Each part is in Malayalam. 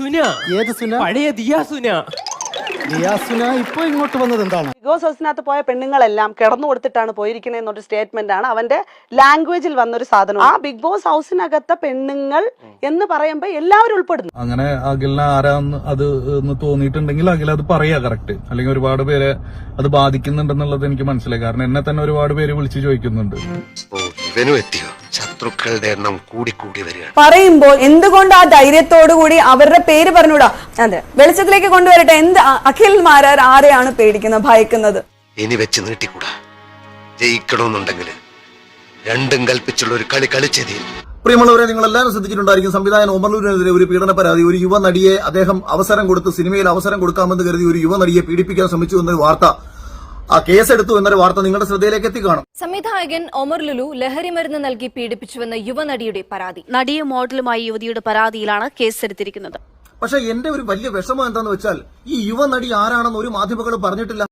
സുന. ഏത് സുന? പഴയ ദിയാസുന. ദിയാസുന ഇപ്പൊ ഇങ്ങോട്ട് വന്നത് എന്താണ്? ബിഗ് ബോസ് ഹൗസിനകത്ത് പോയ പെണ്ണുങ്ങളെല്ലാം കിടന്നു കൊടുത്തിട്ടാണ് പോയിരിക്കുന്നത് എന്നൊരു സ്റ്റേറ്റ്മെന്റ് ആണ് അവന്റെ ലാംഗ്വേജിൽ വന്നൊരു സാധനം. ആ ബിഗ് ബോസ് ഹൗസിനകത്തെ പെണ്ണുങ്ങൾ എന്ന് പറയുമ്പോൾ എല്ലാവരും ഉൾപ്പെടുന്നു. അങ്ങനെ അഖിലിന് ആരാന്ന് അത് തോന്നിയിട്ടുണ്ടെങ്കിൽ അഖിൽ അത് പറയാ കറക്റ്റ്. അല്ലെങ്കിൽ ഒരുപാട് പേരെ അത് ബാധിക്കുന്നുണ്ടെന്നുള്ളത് എനിക്ക് മനസ്സിലായി. കാരണം എന്നെ തന്നെ ഒരുപാട് പേര് വിളിച്ചു ചോദിക്കുന്നുണ്ട്. ശത്രുക്കളുടെ എണ്ണം കൂടി വരികയാണ്. പറയുമ്പോൾ എന്തുകൊണ്ട് ആ ധൈര്യത്തോടു കൂടി അവരുടെ പേര് പറഞ്ഞുകൂടാ? അതെ, വെളിച്ചത്തിലേക്ക് കൊണ്ടുവരട്ടെ. അഖിൽ മാരാർ ആരെയാണ് പേടിക്കുന്നത്, ഭയക്കുന്നത്? ഇനി വെച്ച് നീട്ടിക്കൂടാ. ജയിക്കണമെന്നുണ്ടെങ്കിൽ രണ്ടും കൽപ്പിച്ചുള്ള ഒരു കളി കളിച്ചതേ. പ്രിയമുള്ളവരെ, നിങ്ങൾ എല്ലാവരും ശ്രദ്ധിച്ചിട്ടുണ്ടായിരിക്കും, സംവിധായകൻ ഒമർലൂരിനെതിരെ ഒരു പീഡന പരാതി. ഒരു യുവ നടിയെ അദ്ദേഹം അവസരം കൊടുത്ത് സിനിമയിൽ അവസരം കൊടുക്കാമെന്ന് കരുതി ഒരു യുവ നടിയെ പീഡിപ്പിക്കാൻ ശ്രമിച്ചു എന്നൊരു വാർത്ത, ആ കേസെടുത്തു എന്നൊരു വാർത്ത നിങ്ങളുടെ ശ്രദ്ധയിലേക്ക് എത്തിക്കാണും. സംവിധായകൻ ഒമർ ലുലു ലഹരി മരുന്ന് നൽകി പീഡിപ്പിച്ചുവെന്ന യുവനടിയുടെ പരാതി. നടിയും മോഡലുമായി യുവതിയുടെ പരാതിയിലാണ് കേസെടുത്തിരിക്കുന്നത്. പക്ഷെ എന്റെ ഒരു വലിയ വിഷമം എന്താന്ന് വെച്ചാൽ ഈ യുവ നടി ആരാണെന്ന് ഒരു മാധ്യമങ്ങളും പറഞ്ഞിട്ടില്ല.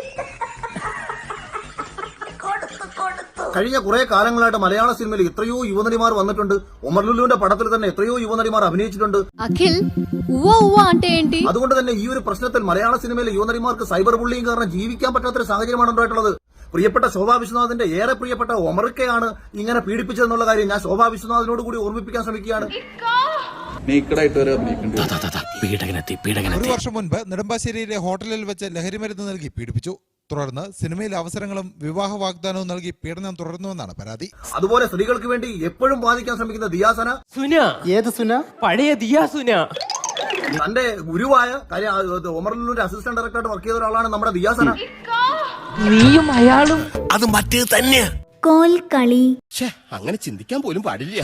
കഴിഞ്ഞ കുറെ കാലങ്ങളായിട്ട് മലയാള സിനിമയിൽ എത്രയോ യുവനടിമാർ വന്നിട്ടുണ്ട്. ഒമർ ലുലുവിന്റെ പടത്തിൽ തന്നെ എത്രയോ യുവനടിമാർ അഭിനയിച്ചിട്ടുണ്ട്. അഖിൽ അതുകൊണ്ട് തന്നെ ഈ ഒരു പ്രശ്നത്തിൽ മലയാള സിനിമയിലെ യുവനടിമാർക്ക് സൈബർ ബുള്ളിങ് കാരണം ജീവിക്കാൻ പറ്റാത്തൊരു സാഹചര്യമാണ് ഉണ്ടായിട്ടുള്ളത്. പ്രിയപ്പെട്ട ശോഭാ വിശ്വനാഥിന്റെ ഏറെ പ്രിയപ്പെട്ട ഒമർക്കയാണ് ഇങ്ങനെ പീഡിപ്പിച്ചതെന്നുള്ള കാര്യം ഞാൻ ശോഭാ വിശ്വനാഥിനോട് കൂടി ഓർമ്മിപ്പിക്കാൻ ശ്രമിക്കുകയാണ്. ഒരു വർഷം മുൻപ് നെടുമ്പാശ്ശേരിയിലെ ഹോട്ടലിൽ വെച്ച് ലഹരിമരുന്ന് നൽകി പീഡിപ്പിച്ചു. തുടർന്ന് സിനിമയിൽ അവസരങ്ങളും വിവാഹ വാഗ്ദാനവും നൽകി പീഡനം തുടർന്നുവെന്നാണ് പരാതി. അതുപോലെ സ്ത്രീകൾക്ക് വേണ്ടി എപ്പോഴും ബാധിക്കാൻ ശ്രമിക്കുന്ന ദിയാസന. സുന. ഏത് സുന? പഴയ ദിയാസുന. തന്റെ ഗുരുവായ ഒമർലൂരിന്റെ അസിസ്റ്റന്റ് ഡയറക്ടറായിട്ട് വർക്ക് ചെയ്ത ഒരാളാണ് നമ്മുടെ ദിയാസന. നീയും അയാളും അത് മറ്റേത് തന്നെയാ. കോൽക്കളി. അങ്ങനെ ചിന്തിക്കാൻ പോലും പാടില്ല.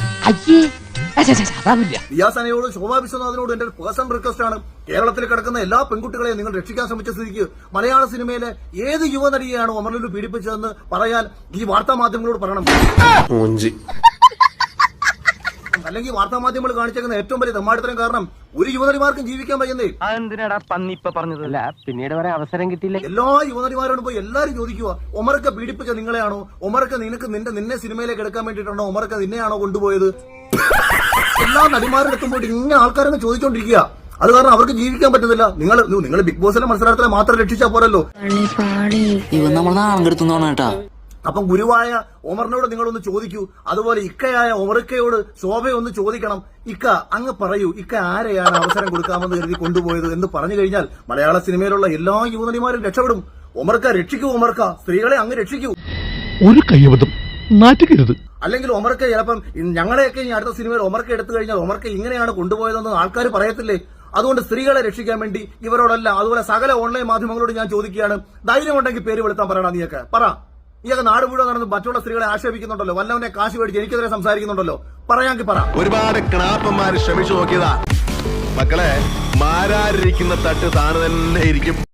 ദിയാസനയോട് ശോഭാ വിശ്വനാഥിനോട് എന്റെ പേഴ്സണൽ റിക്വസ്റ്റ് ആണ്, കേരളത്തിൽ കിടക്കുന്ന എല്ലാ പെൺകുട്ടികളെയും നിങ്ങൾ രക്ഷിക്കാൻ ശ്രമിച്ച സ്ഥിതിക്ക് മലയാള സിനിമയിലെ ഏത് യുവനടിയെയാണ് ഒമർലൂർ പീഡിപ്പിച്ചതെന്ന് പറയാൻ ഈ വാർത്താ മാധ്യമങ്ങളോട് പറയണം. അല്ലെങ്കിൽ വാർത്താ മാധ്യമങ്ങൾ കാണിച്ചേക്കുന്ന ഏറ്റവും വലിയ തെമ്മാടിത്തരം കാരണം ഒരു യുവനടിമാർക്കും ജീവിക്കാൻ പറ്റുന്നേ. എന്തിനാടാ പന്നി ഇപ്പൊ പറഞ്ഞതല്ല, പിന്നീട് വരെ അവസരം കിട്ടിയില്ല. എല്ലാ യുവനടിമാരോടും പോയി എല്ലാരും ചോദിക്കുക, ഒമർക്ക പീഡിപ്പിച്ച നിങ്ങളെയാണോ? ഒമർക്ക നിന്നെ സിനിമയിലേക്ക് എടുക്കാൻ വേണ്ടിയിട്ടാണോ? ഒമർക്ക നിന്നെയാണോ കൊണ്ടുപോയത്? എല്ലാ നടിമാരുടെ അടുത്തും പോയിട്ട് ഇങ്ങനെ ആൾക്കാരൊക്കെ ചോദിച്ചോണ്ടിരിക്കുക. അത് കാരണം അവർക്ക് ജീവിക്കാൻ പറ്റുന്നില്ല. നിങ്ങൾ ബിഗ് ബോസിലെ മത്സരത്തിലെ മാത്രം രക്ഷിച്ചാൽ പോരല്ലോ. അപ്പം ഗുരുവായ ഒമറിനോട് നിങ്ങളൊന്ന് ചോദിക്കൂ. അതുപോലെ ഇക്കയായ ഒമർക്കയോട് ശോഭയൊന്ന് ചോദിക്കണം. ഇക്ക അങ്ങ് പറയൂ, ഇക്ക ആരെയാണ് അവസരം കൊടുക്കാമെന്ന് കരുതി കൊണ്ടുപോയത് എന്ന് പറഞ്ഞു കഴിഞ്ഞാൽ മലയാള സിനിമയിലുള്ള എല്ലാ യുവനടിമാരും രക്ഷപ്പെടും. ഒമർക്ക രക്ഷിക്കൂ, ഒമർക്ക സ്ത്രീകളെ അങ്ങ് രക്ഷിക്കൂ. ഒരു കൈവതം നാറ്റുകരുത്. അല്ലെങ്കിൽ ഒമർക്ക ചിലപ്പം ഞങ്ങളെയൊക്കെ ഈ അടുത്ത സിനിമയിൽ ഒമർക്ക എടുത്തു കഴിഞ്ഞാൽ ഒമർക്ക ഇങ്ങനെയാണ് കൊണ്ടുപോയതെന്ന് ആൾക്കാർ പറയത്തില്ലേ? അതുകൊണ്ട് സ്ത്രീകളെ രക്ഷിക്കാൻ വേണ്ടി ഇവരോടല്ല, അതുപോലെ സകല ഓൺലൈൻ മാധ്യമങ്ങളോട് ഞാൻ ചോദിക്കുകയാണ്, ധൈര്യമുണ്ടെങ്കിൽ പേര് വെളുത്താൻ പറയണം. നീയൊക്കെ നാട് മുഴുവൻ നടന്ന് മറ്റുള്ള സ്ത്രീകളെ ആക്ഷേപിക്കുന്നുണ്ടല്ലോ, വല്ലവനെ കാശ് മേടിച്ച് എനിക്കെതിരെ സംസാരിക്കുന്നുണ്ടല്ലോ, പറയാമെങ്കിൽ പറ. ഒരുപാട് ക്ലാപ്പന്മാര് ശ്രമിച്ചു നോക്കിയതാ മക്കളെ, മാരാരിരിക്കുന്ന തട്ട് താന് തന്നെ ഇരിക്കും.